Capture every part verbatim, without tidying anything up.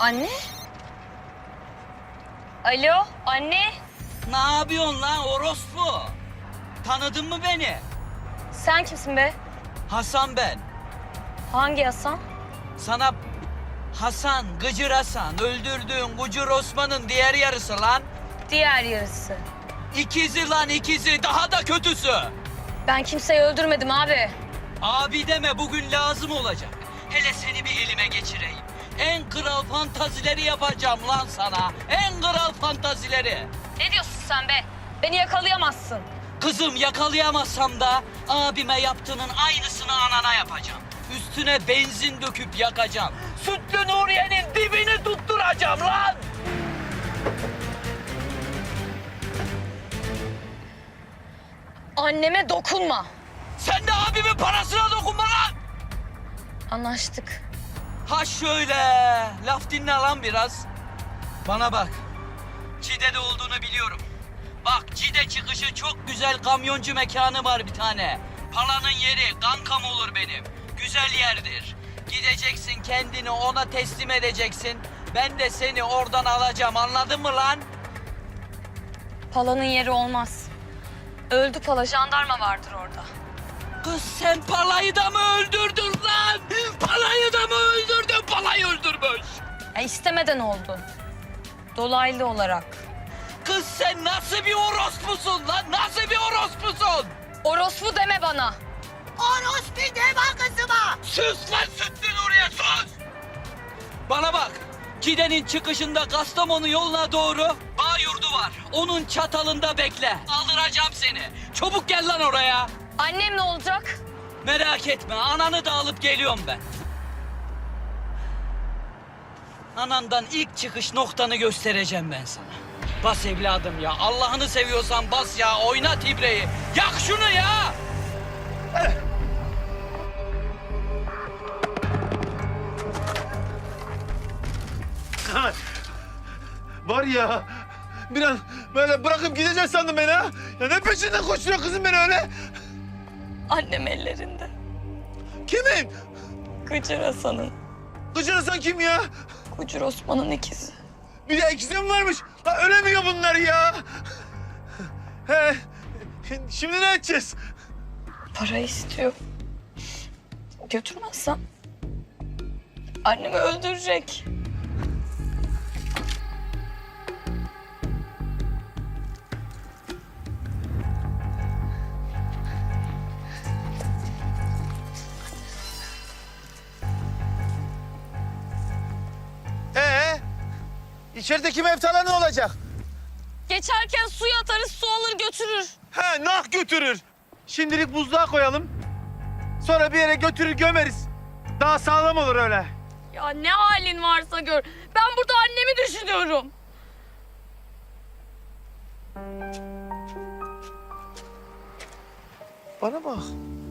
Anne? Alo, anne? Ne yapıyorsun lan orospu? Tanıdın mı beni? Sen kimsin be? Hasan ben. Hangi Hasan? Sana Hasan, Gıcır Hasan, öldürdüğün Gıcır Osman'ın diğer yarısı lan. Diğer yarısı. İkizi lan ikizi, daha da kötüsü. Ben kimseyi öldürmedim abi. Abi deme, bugün lazım olacak. Hele seni bir elime geçireyim. En kral fantazileri yapacağım lan sana. En kral fantazileri. Ne diyorsun sen be? Beni yakalayamazsın. Kızım, yakalayamazsam da abime yaptığının aynısını anana yapacağım. Üstüne benzin döküp yakacağım. Sütlü Nuriye'nin dibini tutturacağım lan. Anneme dokunma. Sen de abimin parasına dokunma lan. Anlaştık. Ha şöyle, laf dinle lan biraz. Bana bak, Cide'de olduğunu biliyorum. Bak, Cide çıkışı çok güzel kamyoncu mekanı var bir tane. Palanın yeri kankam olur benim. Güzel yerdir. Gideceksin, kendini ona teslim edeceksin. Ben de seni oradan alacağım, anladın mı lan? Pala'nın yeri olmaz. Öldü Pala, jandarma vardır orada. Kız sen Pala'yı da mı öldürdün lan? Pala'yı da mı öldürdün? Pala'yı öldürmüş. Ya istemeden oldu. Dolaylı olarak. Kız sen nasıl bir orospusun lan? Nasıl bir orospusun? Orospu deme bana. Orospu deme kızıma. Sus lan Sütlü Nuriye, sus. Bana bak. Cide'nin çıkışında Kastamonu yoluna doğru bağ yurdu var. Onun çatalında bekle. Aldıracağım seni. Çabuk gel lan oraya. Annem ne olacak? Merak etme, ananı da alıp geliyorum ben. Anandan ilk çıkış noktanı göstereceğim ben sana. Bas evladım ya, Allah'ını seviyorsan bas ya, oynat ibreyi. Yak şunu ya! Var ya, bir an böyle bırakıp gideceksin sandım beni ha. Ya ne peşinden koşturuyor kızım beni öyle? Annem ellerinde. Kimin? Gıcır Hasan'ın. Gıcır Hasan kim ya? Gıcır Osman'ın ikizi. Bir de ikisi mi varmış? Ha, ölemiyor bunlar ya. He, şimdi ne edeceğiz? Para istiyor. Götürmezsem annemi öldürecek. Ee, içerideki mevtalar ne olacak? Geçerken suya atarız, su alır götürür. He, nah götürür. Şimdilik buzluğa koyalım. Sonra bir yere götürür gömeriz. Daha sağlam olur öyle. Ya ne halin varsa gör. Ben burada annemi düşünüyorum. Bana bak.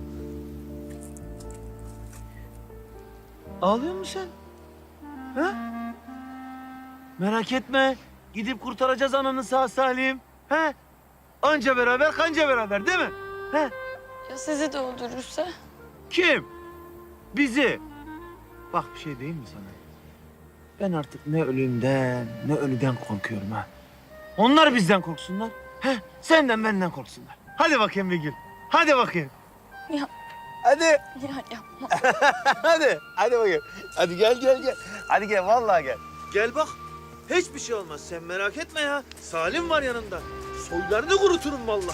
Ağlıyor musun sen? Ha? Merak etme. Gidip kurtaracağız ananı sağ salim. He? Anca beraber kanca beraber değil mi? He? Ya sizi de öldürürse? Kim? Bizi. Bak bir şey diyeyim mi sana? Ben artık ne ölümden ne ölüden korkuyorum ha. Onlar bizden korksunlar. He? Senden benden korksunlar. Hadi bakayım bir gün. Hadi bakayım. Ya, Hadi. ya yapma. Hadi. Hadi bakayım. Hadi gel gel gel. Hadi gel vallahi gel. Gel bak. Hiçbir şey olmaz. Sen merak etme ya. Salim var yanında. Soylarını kuruturum vallahi.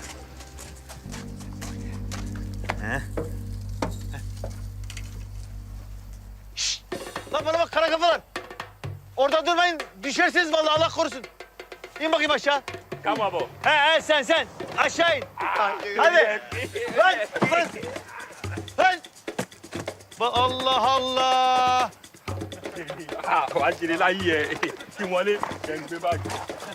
He? Şşt! Lan bana bak kara kafalar. Orada durmayın. Düşersiniz vallahi Allah korusun. İn bakayım aşağı. Tamam bu. He he sen sen. Aşağı in. Hadi. Lan. Lan. Lan. Ba- Allah Allah. Ah, wàá jèrè láyé ẹ kí wọlé ẹ ń gbé báàgì.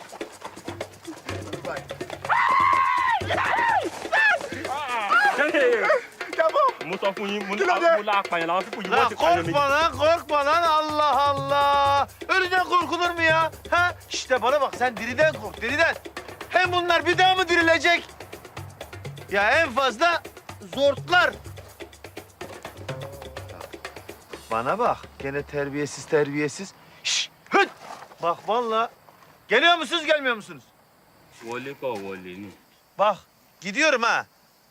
mo sọ fún yín mo ní mo la apààyàn làwọn fífò yìí wọ́n Lan ti pààyàn méjì. korkma lan korkma lan Allah Allah. Ölüden korkulur mu ya? Ha? İşte bana bak sen diriden kork diriden. Hem bunlar bir daha mı dirilecek? Ya en fazla zortlar. Bana bak gene terbiyesiz terbiyesiz. Şşt! Hıt! Bak vallahi. Geliyor musunuz, gelmiyor musunuz? Wọlé kọ̀ wọlé ni. Bak, gidiyorum ha.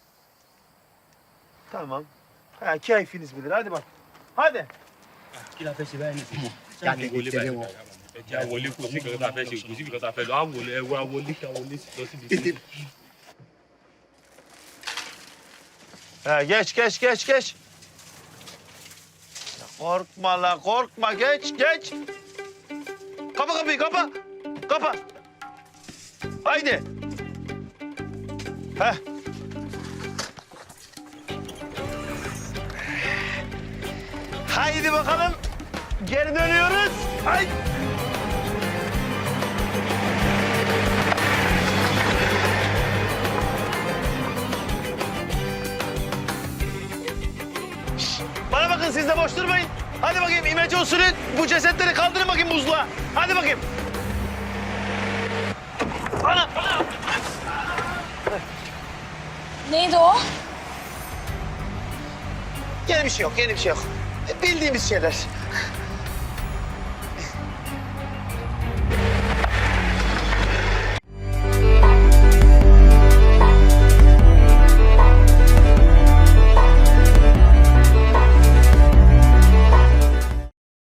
Tamam. Ha, keyfiniz bilir. Hadi bak. Hadi. Kí la fẹ́ ṣe báyìí nìsín? Jáde wọlé báyìí. Ẹ jẹ́ a wọlé kò sí nǹkan tá a fẹ́ ṣe kò sí nǹkan tá a fẹ́ lọ. A wọlé ẹ wá wọlé kí a wọlé lọ síbi. Ha, geç, geç, geç, geç. Ya korkma la, korkma. Geç, geç. Kapa kapıyı, kapa. Kapa. Haydi. Heh. Haydi bakalım. Geri dönüyoruz. Haydi. Şşt, bana bakın, siz de boş durmayın. Hadi bakayım imece usulü bu cesetleri kaldırın bakayım buzluğa. Hadi bakayım. Ana, ana. Neydi o? Yeni bir şey yok, yeni bir şey yok. Bildiğimiz şeyler.